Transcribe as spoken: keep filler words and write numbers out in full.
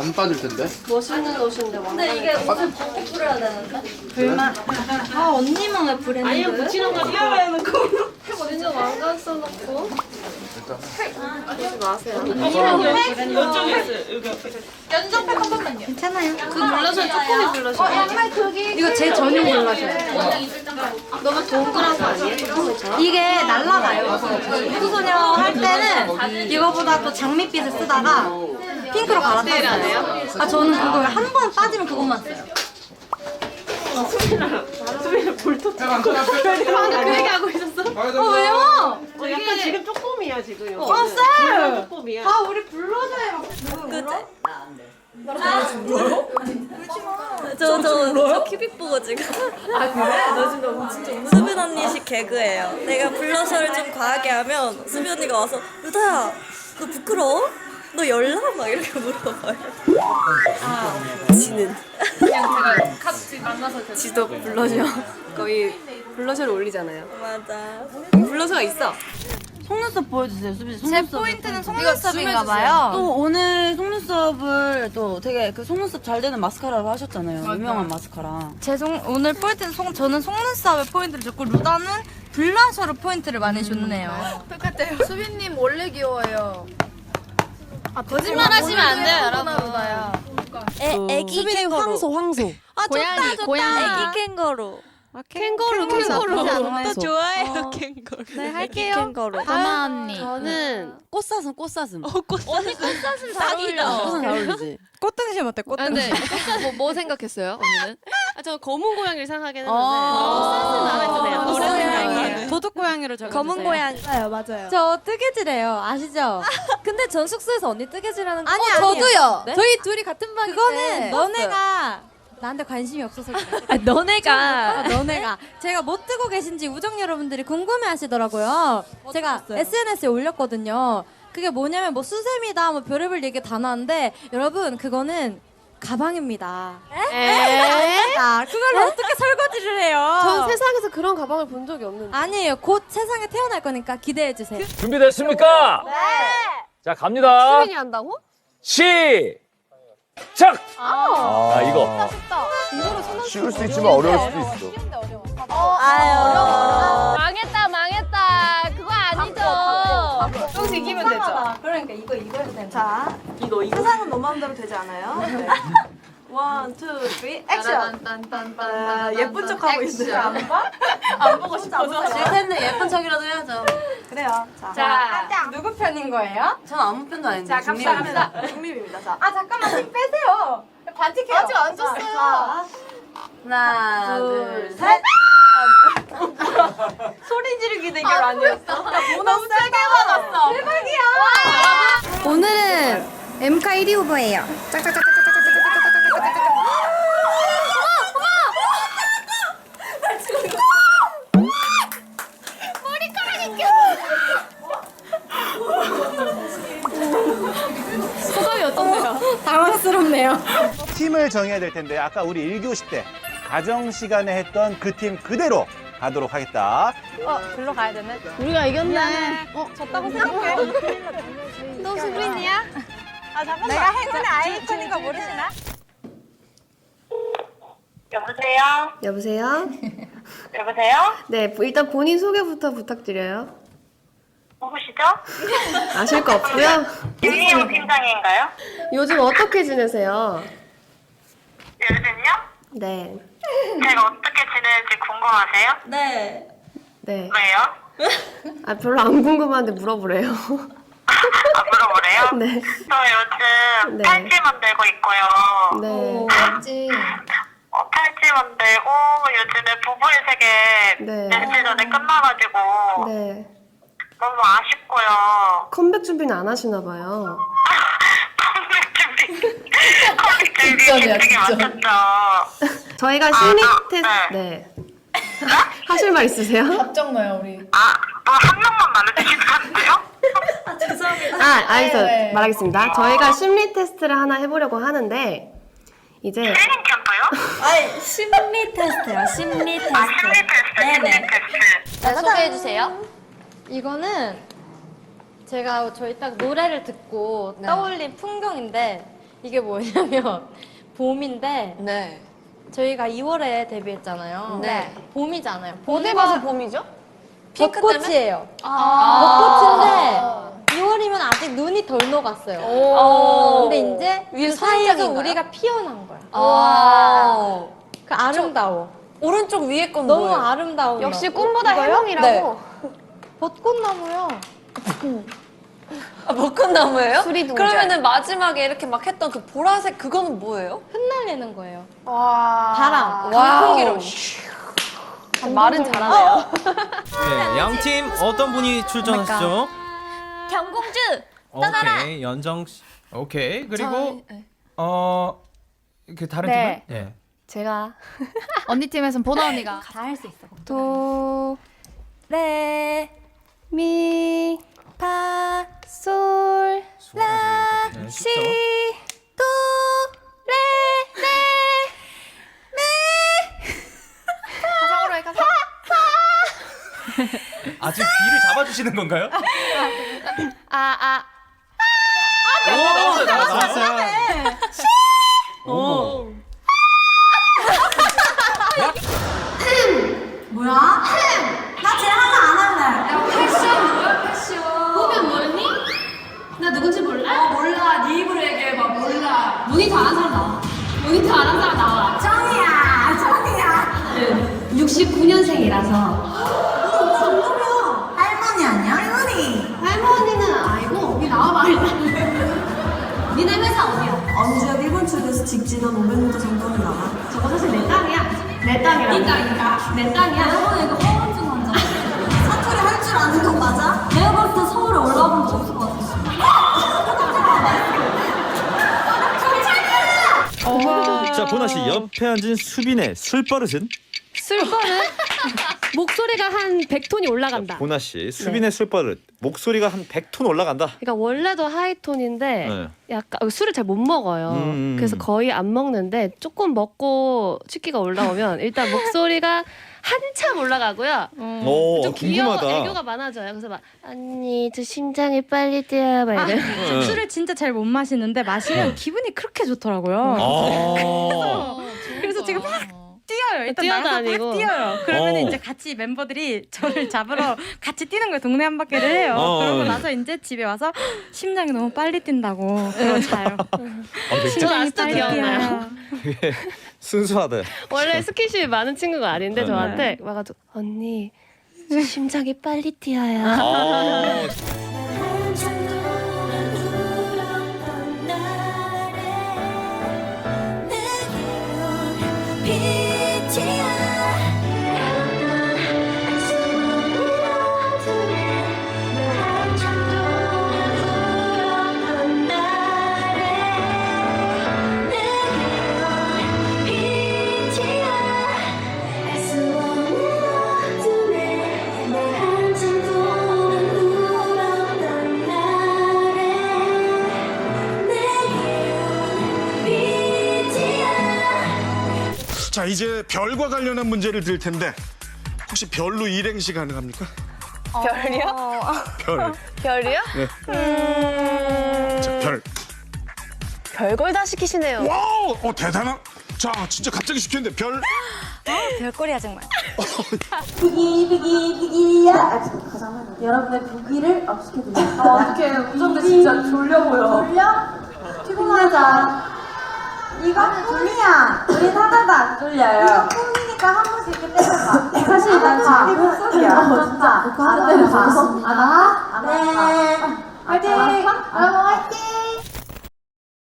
안 빠질 텐데. 멋있는 옷인데 왕관. 근데 이게 옷을 벗고 뿌려야 되는데? 불만. 아 언니만 왜 브랜드? 아니면 붙이는 거 뛰어내놓고. 언니는 왕관 써놓고. 일단. 하지 마세요. 이쪽에 있어요. 여기 앞에. 연정팩 한 번만요. 괜찮아요. 그 블러셔 조금이 블러셔. 양말 크기. 이거 제 전용 블러셔예요. 너무 동그란 거 아니에요? 조금이처럼? 이게 날라가요. 후소녀 할 때는 이거보다 또 장밋빛을 쓰다가 핑크로 갈아탔어요. 아 저는 그거 한 번 빠지면 그것만 써요. 수빈이 볼터 쳐. 그 얘기 하고 있었어? 어 왜요? 어, 약간 지금 쪼꼬미야 지금. 어 쌤! 쪼꼬미야. 아 우리 블러셔에 막 누구 울어? 저, 저, 저 큐빅 보고 지금. 아 그래? 너 지금 너무 진짜 웃는 수빈 언니식 개그예요. 내가 블러셔를 좀 과하게 하면 수빈 언니가 와서 루다야, 너 부끄러워? 너 열나? 막 이렇게 물어봐요. 지는. 그냥 제가 같이 만나서 지도 블러셔 거의 블러셔를 올리잖아요. 맞아. 블러셔가 있어. 속눈썹 보여주세요, 수빈 씨. 제 포인트는 속눈썹인가봐요. 또 오늘 속눈썹을 또 되게 그 속눈썹 잘 되는 마스카라로 하셨잖아요. 유명한 마스카라. 제 속, 오늘 포인트는 속, 저는 속눈썹에 포인트를 줬고 루다는 블러셔로 포인트를 많이 줬네요. 똑같아요. 수빈님 원래 귀여워요. 아, 거짓말 하시면 안 돼요, 여러분. 애, 애기 캥거루. 황소. 아, 고양이, 고양이. 애기 캥거루. 캥거루 캥거루. 또 좋아해요, 캥거루. 네, 애기 할게요. 캥거루. 다마 언니. 저는 꽃사슴, 꽃사슴. 어, 언니 꽃사슴 딱이다. 꽃사슴 잘 어울리지. 꽃등심 어때, 아, 근데 꽃등심? 뭐, 뭐 생각했어요 언니는? 아, 저 검은 고양이를 생각하긴 했는데 어. 꽃사슴 마음에 드네요. 노래 생각이에요. 도둑 고양이로 적어주세요. 검은 고양이. 맞아요, 맞아요. 저 뜨개질해요. 아시죠? 근데 전 숙소에서 언니 뜨개질하는 거 아니, 어, 아니에요. 저도요. 네? 저희 둘이 같은 방인데 그거는 너네가 나한테 관심이 없어서 그래. 아, 너네가. 아, 너네가 제가 뭐 뜨고 계신지 우정 여러분들이 궁금해하시더라고요. 제가 에스엔에스에 올렸거든요. 그게 뭐냐면 뭐 수세미다, 뭐 별의별 얘기 다 나왔는데 여러분 그거는 가방입니다. 에? 아, 그걸로 어떻게 설거지를 해요? 전 세상에서 그런 가방을 본 적이 없는데. 아니에요. 곧 세상에 태어날 거니까 기대해 주세요. 준비됐습니까? 네. 자, 갑니다. 수빈이 한다고? 시작! 아, 이거. 쉬울 수 있지만 어려울 수도 있어. 아유. 망했다 망했다. 그거 아니죠. 조금씩 이기면 되죠. 그러니까 이거 이거 해도 되는 자, 이거 이거. 세상은 너 마음대로 되지 않아요? 네. 원, 투, 쓰리, 액션! 아, 예쁜 척 하고 있어요. 안 봐? 안 보고 싶어서. 실패는 예쁜 척이라도 해야죠. 그래요. 자, 자, 누구 편인 거예요? 전 아무 편도 아닌데. 자, 갑시다, 갑시다. 중립입니다. 자. 아, 잠깐만, 힘 빼세요. 반칙해요. 아직 안 줬어요. 자, 하나, 둘, 둘, 셋. 셋. 소리 지르기 대결 아니었어? 너무 세게 받았어. 대박이야. 오늘은 엠카 일 위 후보예요. 소감이 어떤데요? 당황스럽네요. 팀을 정해야 될 텐데 아까 우리 일 교시 때 가정 시간에 했던 그 팀 그대로 가도록 하겠다. 어, 글로 가야 되네. 우리가 이겼네. 어, 졌다고 생각해. 너 수빈이야? 아, 잠깐만. 내가 행운의 아이콘인 거 모르시나? 여보세요? 여보세요? 여보세요? 네, 일단 본인 소개부터 부탁드려요. 누구시죠? 아실 거 없고요. 윤희영 팀장인가요? 요즘 어떻게 지내세요? 요즘요? 네. 제가 어떻게 지내는지 궁금하세요? 네. 네. 왜요? 아, 별로 안 궁금한데 물어보래요. 아, 물어보래요? 네. 저 요즘 네. 팔찌 만들고 있고요. 네. 맞지. 어, 팔찌 만들고 요즘에 부부의 세계 네. 며칠 전에 끝나가지고 네. 너무 아쉽고요. 컴백 준비는 안 하시나 봐요. 컴백 준비, 컴백 준비 되게 많았죠. 저희가 심리 아, 테스트 네. 네. 하실 말 있으세요? 걱정 마요 우리. 아, 뭐 한 명만 말해주시면 안 돼요? 아, 죄송합니다. 아, 알겠어요. 네. 말하겠습니다. 저희가 심리 테스트를 하나 해보려고 하는데 이제 트레이닝 캠프요? 아니, 심리 테스트요, 심리 테스트. 아, 심리 테스트, 심리 네네. 테스트. 네, 소개해 주세요. 이거는 제가 저희 딱 노래를 듣고 네. 떠올린 풍경인데 이게 뭐냐면 봄인데 네. 저희가 이월에 데뷔했잖아요. 네. 봄이잖아요. 어디 봐서 봄이죠? 핑크 벚꽃이에요. 아. 벚꽃인데 이월이면 아직 눈이 덜 녹았어요. 오. 근데 이제 위에 그 사이에서 소원장인가요? 우리가 피어난 거야. 아. 그 아름다워. 오른쪽 위에 건 너무 뭐예요? 아름다운 역시 거. 꿈보다 이거요? 해몽이라고. 네. 벚꽃나무요. 아, 벚꽃나무예요? 수리 동절. 그러면은 마지막에 이렇게 막 했던 그 보라색 그거는 뭐예요? 흩날리는 거예요. 와. 바람. 강풍기로. 말은 잘하네요. 네, 양팀 어떤 분이 출전하시죠? 경공주. 오케이, 연정 씨. 오케이. 그리고 어, 그 다른 네. 팀은? 예. 제가 언니 팀에선 보나 언니가 다 할 수 있어. 도, 레, 미, 파, 솔, 라, 네, 시, 쉽죠? 도, 레, 레, 미. 가상으로 해, 가상. 아주 귀를 잡아주시는 건가요? 아, 아. 오, 나왔어요, 나왔어요. 오. 뭐야? 나 쟤 하나 안 할래. 야, 패션 뭐야, 패션. 보면 모르니? 나 누군지 몰라? 어, 몰라. 네 입으로 얘기해봐. 몰라. 모니터 안 한 사람 나와. 모니터 안 한 사람 나와. 정이야, 정이야. 육십구 년생이라서. 할머니 아니야? 할머니. 할머니는 아니고, 여기 나와봐, 일단. 니네 회사 어디야? 언제 일본 측에서 직진한 오백 미터 정도는 나와. 저거 사실 내 땅이야. 내 땅이라고. 네 땅이니까. 내 땅이야. 여러분 이거 허언증 환자. 사투리 할 줄 아는 건 맞아? 내가 봤을 때 서울에 올라와 본 적 없을 것 같아. 자, 보나 씨 옆에 앉은 수빈의 술버릇은? 술버릇? 목소리가 한 백 톤이 올라간다. 보나 씨 수빈의 술버릇 목소리가 한 백 톤 올라간다. 그러니까 원래도 하이톤인데 네. 약간 술을 잘 못 먹어요. 음. 그래서 거의 안 먹는데 조금 먹고 취기가 올라오면 일단 목소리가 한참 올라가고요. 오, 좀 귀여워, 궁금하다. 애교가 많아져요. 그래서 막 언니 저 심장이 빨리 뛰어 막 이래. 네. 술을 진짜 잘 못 마시는데 마시면 기분이 그렇게 좋더라고요. 아. 그래서 제가 막 뛰어요. 일단 뛰어도 나가서 아니고. 막 뛰어요. 그러면 어. 이제 같이 멤버들이 저를 잡으러 같이 뛰는 거예요. 동네 한 바퀴를 해요. 어. 그러고 나서 이제 집에 와서 심장이 너무 빨리 뛴다고 그러고 자요. 아, 되게 저 아직도 기억나요. 순수하다. 원래 스킨십이 많은 친구가 아닌데 네. 저한테 와가지고 언니 저 심장이 빨리 뛰어요. 아. 자, 이제 별과 관련한 문제를 드릴 텐데 혹시 별로 일행시 가능합니까? 별이요? 별. 별이요? 네. 음... 자, 별. 별걸 다 시키시네요. 와우! 어, 대단한. 자, 진짜 갑자기 시켰는데 별. 별거리야 정말. 비기 비기 비기야. 여러분의 비기를 업시켜드릴게요. 아, 어떡해. 운전대 진짜 졸려 보여. 졸려? 피곤하자. 이거는 꿈이야. 우린 하나도 안 졸려요. 이거 꿈이니까 한 번씩 이렇게 때려봐. 사실 난 자기 목소리야. 진짜. 하는 대로 봤어. 안 와? 안 와?